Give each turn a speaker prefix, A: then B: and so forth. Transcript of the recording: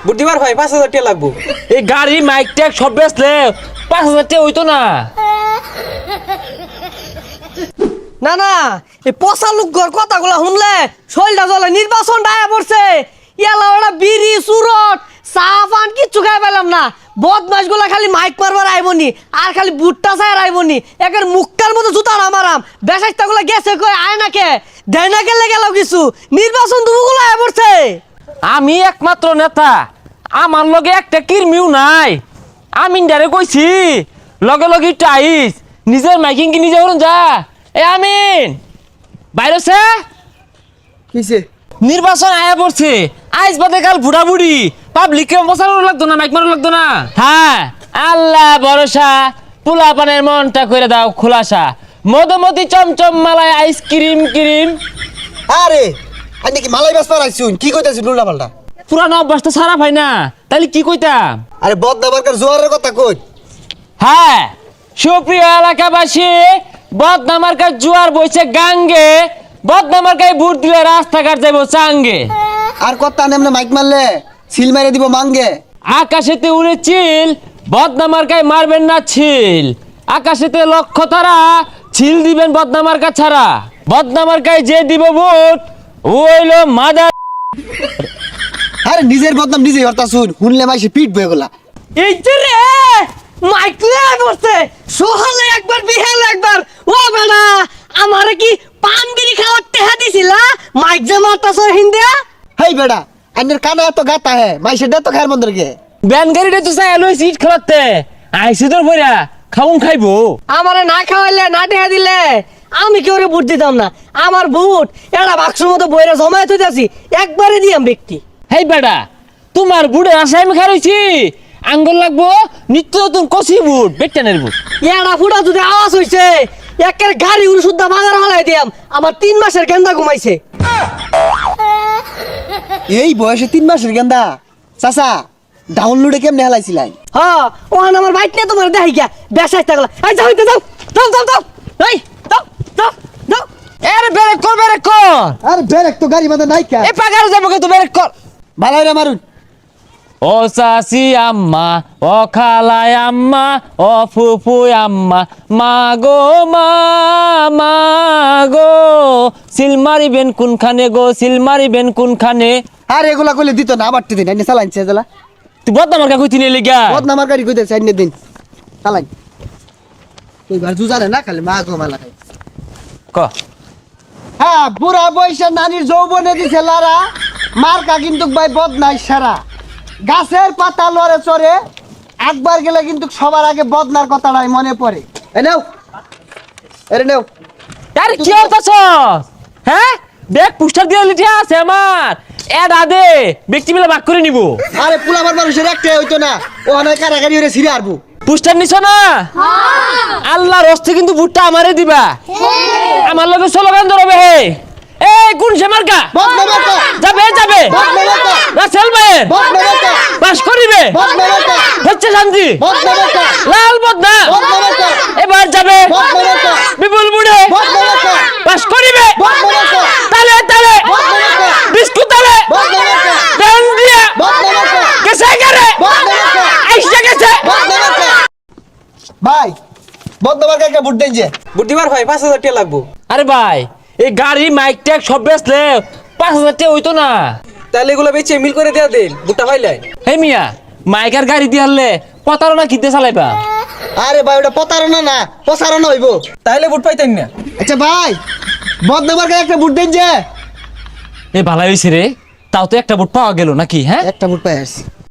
A: বুদ্ধিবার ভাই 5,000 টাকা লাগবো।
B: এই গাড়ি মাইক ট্যাগ সব বেচলে 5,000 টাকা হইতো না।
C: না না এই পচা লোকর কথাগুলো শুনলে শরীরটা জ্বলে। নির্বাচন ডায়া পড়ছে, ইয়ালা ওরা বিড়ি সুরট চা পান কিচ্ছু খাই পেলাম না। বদমাস গুলা খালি মাইক মারবার আইবনি আর খালি বুটটা চাই আইবনি। একের মুক্কার মতো জুতা নামারাম। বেসাইটা গুলা গেছে কই আয় নাকে দেয় না গেলে গেল কিছু। নির্বাচন দুগুলো আয় পড়ছে।
B: আমি একমাত্র নেতা, আমার লগে একটা কিরমিও নাই। আমি ডারে কইছি লগে লগে টাইস নিজের মাইকিং কি নিজে করুন যা। এ আমিন বাইরেছে
A: কিছে
B: নির্বাচন আয়া পড়ছে। আইস বাদে কাল বুড়া বুড়ি পাবলিককে বসানো লাগতো না, মাইক মারো লাগতো না। হ্যাঁ আল্লাহ ভরসা, পোলা পানের মনটা করে দাও খোলাসা। মধুমতি চমচম মালায় আইসক্রিম ক্রিম।
D: আরে আমি কি মালাই বাস পারাইছুন কি কইতাছিস উল্টা পাল্টা?
B: পুরানো অভ্যাস তো সারা ভাই না, তাহলে কি কইতাম?
D: আরে বদনামার্কার জোয়ারের কথা কই।
B: হ্যাঁ সুপ্রিয় এলাকাবাসী, বদনামার্কার জোয়ার বইছে গাঙ্গে। বদনামার্কায় ভোট দিলে রাস্তাঘাট যাইব চাঙ্গে।
D: আর কথা নেমনে মাইক মারলে সিল মেরে দিব মাঙ্গে।
B: আকাশেতে উড়ে চিল, বদনামার্কায় মারবেন না ছিল। আকাশেতে লক্ষ্য তারা, ছিল দিবেন বদনামার্কা ছাড়া। বদনামার্কায় যে দিব ভোট ওইলো মাদার।
D: আরে নিজের বদনাম নিজেই হরতা শুন, শুনলে মাইসে পিট বয়ে গলা।
C: এই যে রে মাইক লয়ে পড়ছে। সোহালে একবার বিহালে একবার। ও বেটা আমারে কি পান বিড়ি খাওয়ার টেহা দিছিলা? মাইক যে মারতাছ হিন্দিয়া।
D: হেই বেড়া আইনের কানে এত গাতা হে মাইসে দে তো খায়ের মন্দিরকে।
B: ব্যান গাড়িটা তো চাই এলো সিট খেলাতে আইসি তোর বইরা খাউন খাইবো।
C: আমারে না খাওয়াইলে না টেহা দিলে আমি কি ওরে ভোট দিতাম না। আমার ভোট এটা বাক্সের মতো বইরা জমায়েত হইতাছি, একবারে দিয়াম ব্যক্তি।
B: হেই বেটা তোমার বুড়ে আশায় আমি খারইছি। আঙ্গুল লাগবো নিত্য নতুন কষি বুট বেটানের বুট।
C: এড়া ফুটা যদি আওয়াজ হইছে একের গাড়ি উড়ে শুদ্ধা বাজার হলাই দিয়াম। আমার 3 মাসের গেন্দা ঘুমাইছে।
D: এই বয়সে 3 মাসের গেন্দা চাচা ডাউনলোডে কেমনে হেলাইছিলেন?
C: হ্যাঁ ওখানে আমার বাইক নিয়ে তোমার দেখাই গিয়া বেসাই থাকলা। এই যাও যাও যাও যাও যাও এই যাও যাও যাও।
B: এর ব্রেক কর ব্রেক কর।
D: আরে ব্রেক তো গাড়ি বাঁধা নাই কা।
B: এ পাগার যাবো কে তো ব্রেক কর।
D: ভালো রে মারুন।
B: ও চাচি আম্মা, ও খালাই আম্মা, ও ফুফু আম্মা, মা গো মা গো সিল মারিবেন কোনখানে গো, সিল মারিবেন কোনখানে।
D: আর এগুলা কইলে দিত না আবার দিন আইনে চালাইছে জেলা।
B: তুই বদনামার কা কইতি নিয়ে গা।
D: বদনামার গাড়ি কইতে আইনে দিন চালাই। তুই ঘর জুজারে না খালি মা গো মালা খাই।
B: ক
D: হ্যাঁ বুড়া বয়সে নানির যৌবনে দিছে লারা। মার্কা কিন্তু ভাই বদনাই সারা। গাছের পাতা লড়ে চড়ে একবার গেলে কিন্তু সবার আগে বদনার কথাটাই মনে পড়ে। এ নেও এরে নেও।
B: আরে কি হতাছ? হ্যাঁ দেখ পোস্টার দিয়ে লিখে আছে আমার এড আদে ব্যক্তি মিলে ভাগ করে নিব।
D: আরে পুলাবার মানুষের একটাই হইতো না, ও অনেক কারাগারি হয়ে ছিঁড়ে আরবো।
B: পোস্টার নিছ না? আল্লাহর হস্তে কিন্তু ভুট্টা আমারে দিবা। আমার লগে স্লোগান ধরবে হে এই কোন সে মার্কা
D: বদনামার্কা
B: যাবে যাবে
D: বদনামার্কা
B: রাসেল ভাই
D: বদনামার্কা
B: পাস করিবে
D: বদনামার্কা
B: হচ্ছে শান্তি
D: বদনামার্কা
B: লাল বদনা
D: বদনামার্কা
B: এবার যাবে
D: বদনামার্কা
B: বিপুল বুড়ে
D: বদনামার্কা
B: পাস করিবে
D: বদনামার্কা
B: তালে তালে
D: বদনামার্কা
B: বিস্কুট তালে
D: বদনামার্কা
B: দেন দিয়া
D: বদনামার্কা
B: গেছে করে
D: বদনামার্কা
B: আইসা গেছে।
D: বদনামার্কা ভাই বদনামার্কা কে ভোট দেন যে?
A: বুদ্ধিবার ভাই 5,000 টাকা লাগবো।
B: আরে ভাই এই গাড়ি মাইক ট্যাগ সব বেচলে 5,000 টাকা হইতো না।
A: তাহলে এগুলো বেচে মিল করে দেয়া দেন, বুটটা পাইলাই।
B: হে মিয়া মাইকার গাড়ি দিয়ে হারলে প্রতারণা কিনতে চালাইবা।
D: আরে ভাই ওটা প্রতারণা না প্রসারণা হইব।
A: তাহলে বুট পাইতেন না।
D: আচ্ছা ভাই বদনামার্কা একটা ভোট দেন যে?
B: এ ভালো হয়েছে রে, তাও তো একটা বুট পাওয়া গেল নাকি? হ্যাঁ
D: একটা ভোট পাই আসছি।